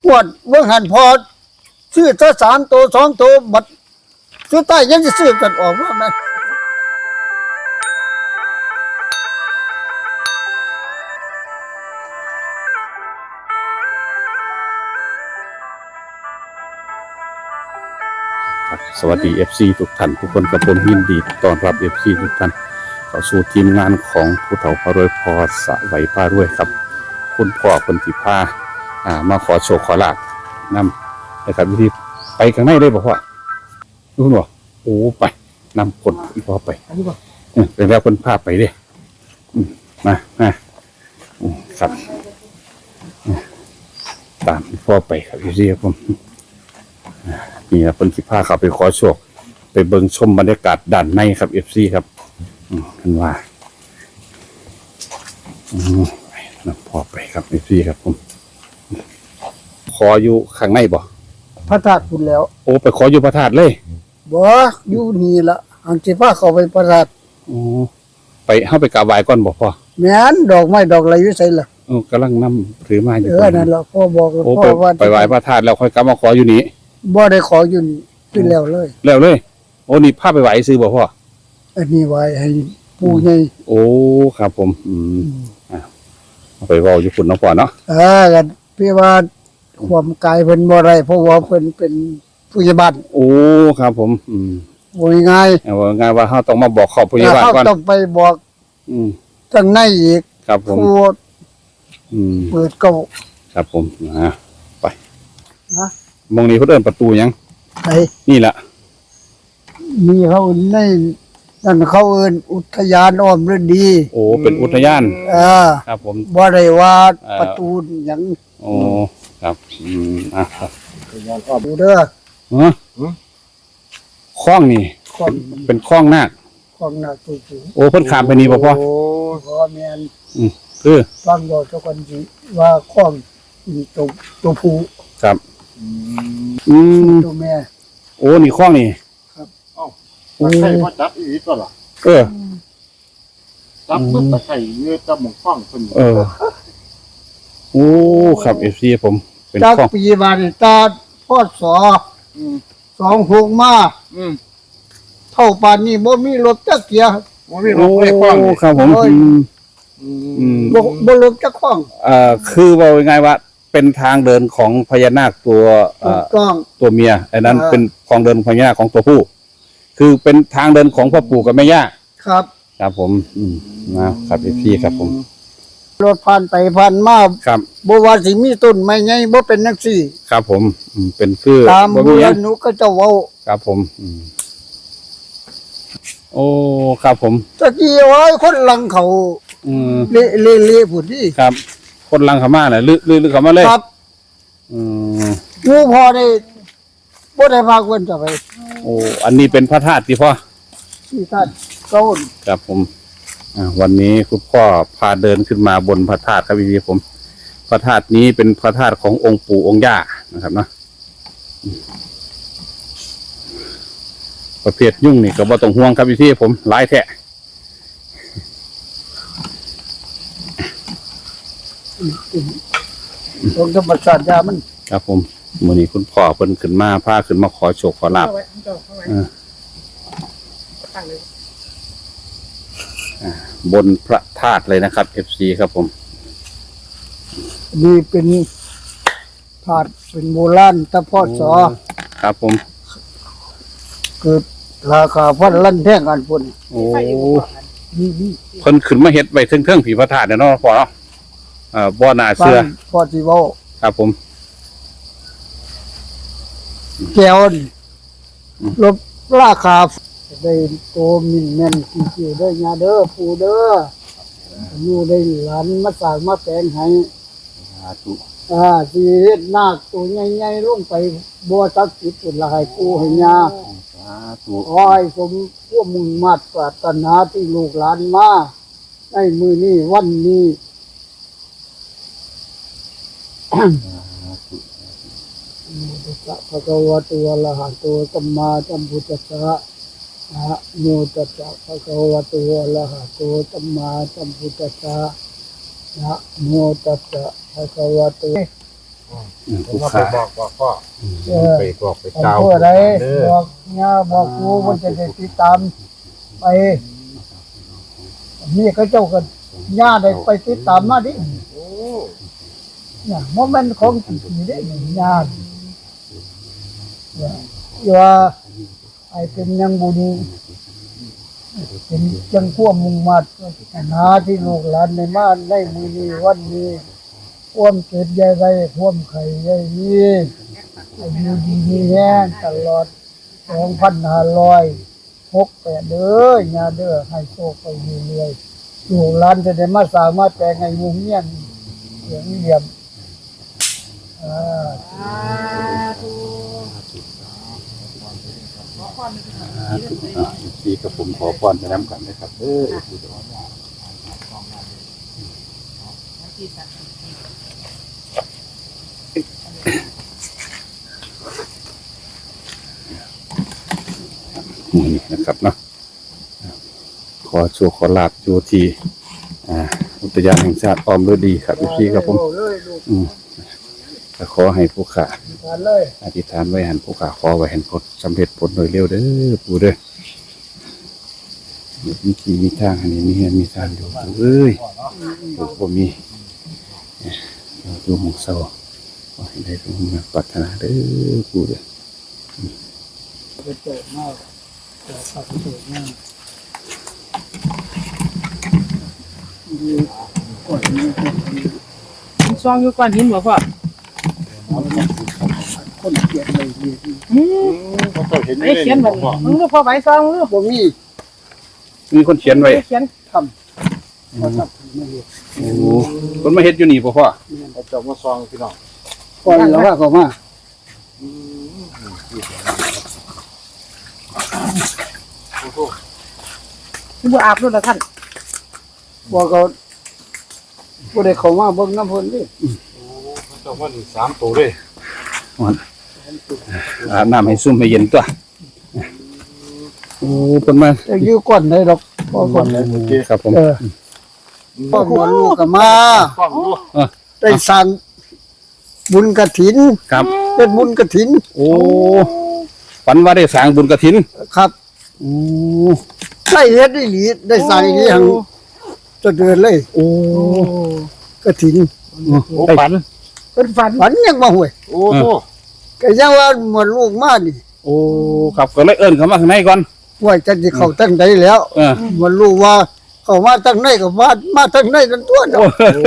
ปวดเมื่อหันพอซื้อถ้า3 ตัว 2 ตัวบัดซื้อใต้ยังจะซื้อกันออกว่าไหมสวัสดี FC ทุกท่านทุกคนกับผมยินดีต้อนรับ FC ทุกท่านเข้าสู่ทีมงานของผู้เฒ่าพารวยพอสะไหวพารวยครับคุณพ่อคนที่พามาขอโชคขอลาภนำนะครับวิธีไปข้างในเลยบอกว่ารู้บ่โอ้ไปนำคนอีพ่อไปเป็นแล้วคนพาไปเด้มาครับตามพ่อไปครับพี่ครับผมนี่นะคนที่พาเขาไปขอโชคไปเบิ่งชมบรรยากาศด้านในครับ FC ครับเห็นว่านะพ่อไปครับ FC ครับผมขออยู่ข้างในบ่พระธาตุพุ่นแล้วโอ้ไปขออยู่พระธาตุเลยบ่อยู่นี่ละอันสิพาเข้าไปพระธาตุโอ้ไปเฮาไปกราบไหว้ก่อนบ่พ่อแม่นดอกไม้ดอกอะไรอยู่ไสล่ะกำลังนำถือมาอยู่นั่นล่ะพ่อบอกพ่อว่าไปไหว้พระธาตุแล้วค่อยกลับมาขออยู่นี่บ่ได้ขออยู่นี่ขึ้นแล้วเลยโอ้นี่พาไปไหว้ซื้อบ่พ่ออันนี้ไหว้ให้ปู่ใหญ่โอ้ครับผมไปเว้าอยู่พุ่นเนาะพ่อเนาะกันพี่ว่าความกายเพิ่นบ่ได้เพราะว่าเพิ่นเป็นผู้ใหญ่บ้านโอ้ครับผมบ่ง่ายว่าง่ายว่าเฮาต้องมาบอกขอบผู้ใหญ่บ้านก่อนต้องไปบอกทางในอีกครับผมเปิดเก้าครับผมไปมองนี้เขาเดินประตูยังไหนนี่แหละมีเขาในนั่นเขาเอิ้นอุทยานอ้อมฤดีโอ้เป็นอุทยานครับผมบ่ได้ว่าประตูหยังโอ้ครับครับอุทยานอ้อมเด้อคลองนี่เป็นคลองนาคคลองนาคตัวสูงโอ้เพิ่นข้ามไปนี่บ่พ่อโอ้พ่อแม่นคือฟังบอกเจ้าคนสิว่าคลองตัวผู้ครับตัวแม่โอ้นี่คลองนี่ครับใช่ว่าจับอีกก็หรอจับปุ๊บตะไคร้เนื้อจับหมกฟองคนโอ้ครับ FC ผมเป็นคลองปีบาดตาพศ26มาเท่าป่านนี้บ่มีรถจักเกียบ่มีรถไปคลองครับผมบ่รถจักคลองคือว่าง่ายว่าเป็นทางเดินของพญานาคตัวเมียอันนั้นเป็นทางเดินพญานาคของตัวผู้คือเป็นทางเดินของพ่อปู่กับแม่ย่าครับครับผมนะครับพี่ครับผมรถผ่านไปผ่านมาครับบ่ว่าสิมีต้นไม้ใหญ่บ่เป็นจังซี่ครับผมเป็นคือตามโบราณหนูก็จะเว้าครับผมโอ้ครับผมตะกี้ไว้คนหลังเขาเละพุ่นนี่ครับคนหลังเขามาน่ะลึกเข้ามาเลยครับงูพอได้บ่ได้พาคนจะไปโอ้อันนี้เป็นพระธาตุที่พ่อที่ธาตุเก้าครับผมวันนี้คุณพ่อพาเดินขึ้นมาบนพระธาตุครับพี่ผมพระธาตุนี้เป็นพระธาตุขององค์ปู่องค์ย่านะครับเนาะประเภทยุ่งนี่ก็บ่ต้องห่วงครับพี่ผมหลายแท้ตรงธรรมชาติยามันครับผมมื้อนี้คุณพ่อเพิ่นขึ้นมาพาขึ้นมาขอโชคขอลาภบนพระธาตุเลยนะครับ FC ครับผมนี่เป็นธาตุเป็นโบราณตะพศครับผมเกิดราคาพันลั่นแท่งกันพุ่นโอ้เพิ่นขึ้นมาเฮ็ดไว้เทิงๆผีพระธาตุเนาะพ่อเนาะบ่น่าเชื่อพ่อสิเว้าครับผมแก้วลบราคาได้โตมินแม่นสิได้ญาเด้อปู่เด้ออยู่ได้หลานมาสร้างมาแปลงให้สาธุสิเฮ็ดนาคตัวใหญ่ๆลงไปบ่ศักดิ์สิทธิ์พุ่นละให้ปู่ให้ญาสาธุขอให้สมความมุ่งมั่นปรารถนาที่ลูกหลานมาในมื้อนี้วันนี้พระกวาตัวละหะตัวสัมมาสัมพุทธัสสะนะโมตัสสะพระกวาตัวละหะตัวสัมมาสัมพุทธัสสะนะโมตัสสะพระกวาตัวผมผู้ว่าไปขาบอกพ่อไปบอกไปผมเจ้าพูดอะไรเด้อบอกเนี่ยบอกครูว่าจะได้ติดตามไปนี่ก็เจ้ากันย่าได้ไปติดตามมาดิโอ้เนี่ยโมเมนต์ของจริงๆได้หนึ่งย่าเนี่ยว่าไอ้เป็นยังบุญเป็นจังขั้วมุ่งมัดหาที่ลูกหลานในบ้านได้มือนี้วันนี้ความเกิดใหญ่ไรความไข่ใหญ่นี้อายุดีมีแห้งตลอด2,568เด้อยาเด้อให้โชคไปเรื่อยๆลูกหลานจะได้มาสร้างมาแต่งให้มุงเงี้ยนเสียงเยี่ยมที่กับผมขอพรไปน้ำกันนะครับนี่นะครับเนาะขอโชคขอลาบอยู่ที่อุทยานแห่งชาติอ้อมฤดีครับพี่ครับผมก็ขอให้ผู้ขาอธิษฐานไว้หันผู้ขาขอไว้หันผลสำเร็จผลโดยเร็วเด้อปู่เด้อมีที่มีทางอันนี้มีเงินมีทางอยู่ปู่เอ้ยปู่บ่มีอยู่หมู่เศร้าขอให้ได้สมปรารถนาเด้อปู่เด้อเกิดมากเกิดมากดีกว่านี้ซองอยู่ก่อนหินบ่พ่อคนเขียนเลยดีเขาก็เห็นไอ้เขียนบ่มึงก็พอใบซองลูกบ่มีมีคนเขียนไว้เขียนทำพอทำไม่เห็นโอ้คนมาเฮ็ดอยู่นี่พ่อเขาเจ้ามาซองพี่น้องก่อนแล้วว่าก็มาบ่อาบนู่นละท่านบอกก็บ่ได้เข้ามาเบิ่งน้ำเพิ่นดิเขาเจ้าว่านี่3ตัวเลยอาบน้ำให้ซุ่มให้เย็นตัวโอ้คนมาจะอยู่ก่อนได้ดอกบ่ก่อนได้โอเคครับผมพ่อหมอลูกก็มาฟังดูได้สั่งบุญกฐินครับเป็นบุญกฐินโอ้ฝันว่าได้สร้างบุญกฐินครับโอ้ได้เฮ็ดได้หลีได้สั่งอีหลีหังจะเดินเลยโอ้กฐินโอ้ฝันเป็นฝันฝันยังมาห่วยโอ้โหก็ยังว่าหมดลูกมานี่โอ้ครับก็เลยเอิ้นเข้ามาข้างในก่อนห่วยจังสิเข้าตั้งใดแล้ว หมดลูกว่าเข้ามาตั้งในก็มาตั้งในนั่นตัวเนาะ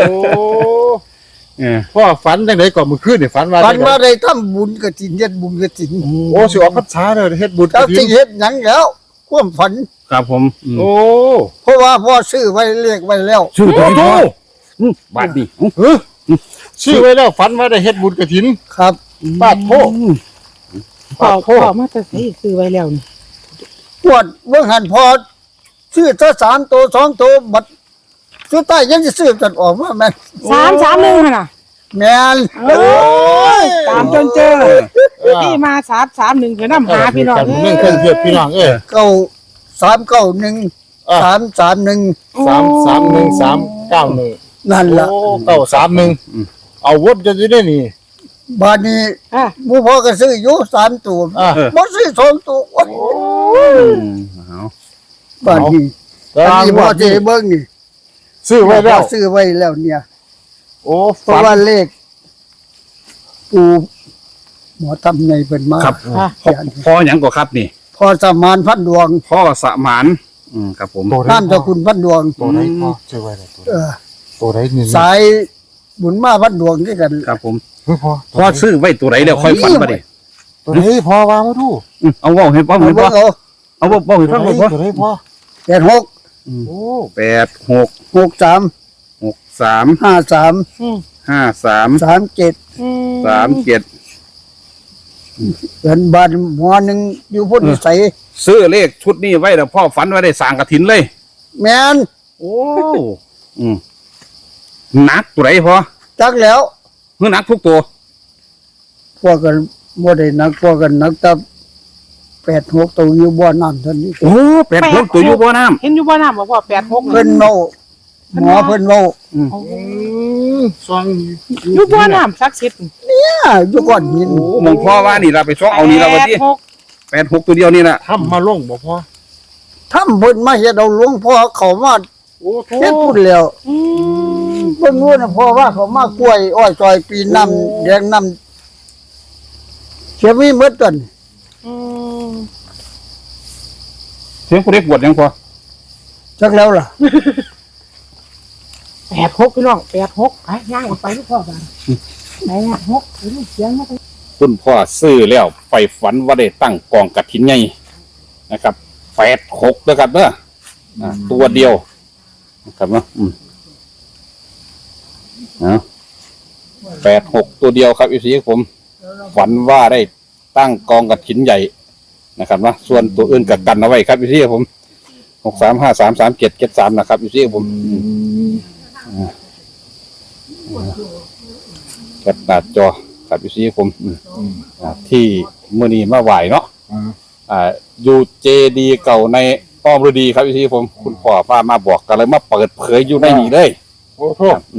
พ่อฝันจังไดก่อนมื้อคืนนี่ฝันว่าฝันว่าได้ทำบุญกฐินเฮ็ดบุญกฐินโอ้สิออกพรรษาเด้อเฮ็ดบุญเจ้าสิเฮ็ดหยังแล้วความฝันครับผมโอ้เพราะว่าพ่อซื้อไว้เลขไว้แล้วชื่อตัวนี้บาทนี่เออชื่อไว้แล้วฝันว่าได้เฮ็ดบุญกฐินครับปาดโพพ่อมาแต่ใส่ซื้อไว้แล้วนี่ปวดเบิ่งหันพอซื้อซะ3ตัว2ตัวบัดสุดท้ายยังสิซื้อกันออกมาแม่น 331หั่นน่ะแม่นโอ้ยตามจนเจอที่มา331เพิ่นนำหาพี่น้องเรื่องเครื่องเทียบพี่น้อง 391 331 331 นั่นล่ะโอ้931เอาวดจะได้นี่บาดนี้อ่ะหมู่พ่อก็ซื้ออยู่3ตัว บ่ซื้อ2ตัวโอ๊ยเอาบาดนี้อันนี้พ่อสิให้เบิ่งนี่ซื้อไว้แล้วพ่อซื้อไว้แล้วเนี่ยโอ้เพราะว่าเลขปูหมอทำในเป็นมาครับพ่อหยังก็ครับนี่พอสมานพันดวงพ่อสมานครับผมท่านเจ้าคุณพันดวงตัวไหนพ่อซื้อไว้แล้วเออตัวไหนนี่สายบุญมาพันดวงด้วยกันครับผมเฮ้ยพ่อพ่อซื้อไว้ตัวไหนแล้วค่อยฝันมาดิตัวไหนพ่อวางมาดูเอาเว้าให้พ่อเอาให้พ่เบิ่องเอาเอาเว้าให้ฟังพ่อตัวไหนพ่อ 86 โอ้ 86 63 63 53 อืม 53 37 37 เงินบาทหมอหนึงอยู่พุ่นนิสัยซื้อเลขชุดนี้ไว้แล้วพ่อฝันว่าได้สร้างกฐินเลยแม่นโอ้หนักตัวไหนพ่อจักแล้วคือหนักทุกตัวพวกกันบ่ได้นักพวกกันนักแต่86ตัวอยู่บ่อน้ำเท่านี้โอ้86ตัวอยู่บ่อน้ำเห็นอยู่บ่น้ำบ่พ่อ86 เพิ่นเนาหมอเพิ่นเว้าซองอยู่บ่อน้ำศักดิ์สิทธิ์อยู่ก้อนหินโอ้มองพ่อว่านี่เราไปซ้อเอานี่เราวันที่ 86ตัวเดียวนี่น่ะทำมาลงบ่พ่อถ้าเพิ่นมาเฮ็ดเอาหลวงพ่อเขามาโอ้โหเฮ็ดพุ่นแล้ว 86 เพิ่นรู้นะพ่อว่าเขามากล้วยอ้อยซอยปีน้ำแดงน้ำเสียมีหมดต้นเสียงผู้เด็กบวชยังพอจักแล้วล่ะ 86พี่น้อง86ไปย่างออกไปลูกพ่อบ้านไหนอ่ะ6ไปลูกเสียงมาไปคุณพ่อซื้อแล้วไปฝันว่าได้ตั้งกองกฐินใหญ่นะครับ86นะครับเด้อตัวเดียวนะครับเนาะ86ตัวเดียวครับอีซีผมฝันว่าได้ตั้งกองกฐินใหญ่นะครับเนาะส่วนตัวอื่นกักันเอาไว้ครับอีซีผม63533773นะครับอีซีผมแคปหน้าจอครับอีซีผมที่มื้อนี้มาไหวเนาะอยู่เจดีเก่าในอ้อมฤดีครับอีซีผมคุณพ่อพามาบอกกันเลยมาเปิดเผยอยู่ในนี้เลยโอ้โห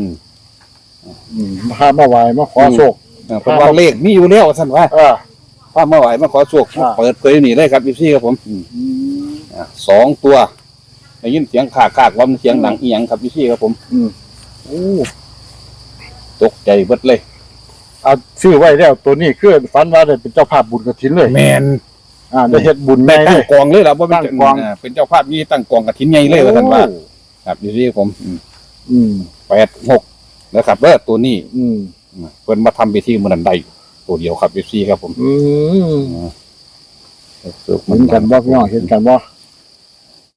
ครับมาไหวมาขอโชคเพราะว่าเลขมีอยู่แล้วท่านว่า พามาไหวมาขอโชคอ่าเปิดเผยอยู่นี่เลยครับอีซีครับผม2ตัวได้ยินเสียงขากว่ามันเสียงหนังอีหยังครับอีซีครับผมโอ้ตกใจเบิดเลยเอาชื่อไว้แล้วตัวนี้คือฝันว่าได้เป็นเจ้าภาพบุญกฐินเลยแมนได้เฮ็ดบุญได้แม่ตั้เลงยกองเลยล่ะว่าเป็นตั้งกองเป็นเจ้าภาพนี่ตั้งกองกฐินใหญ่เลยว่าท่านว่าครับอีซีครับผม86นะครับตัวนี้เพิ่นมาทำพิธีมื้อนั้นได้ตัวเดียวครับอีซีครับผมเห็นกันบ่พี่น้องเห็นกันบ่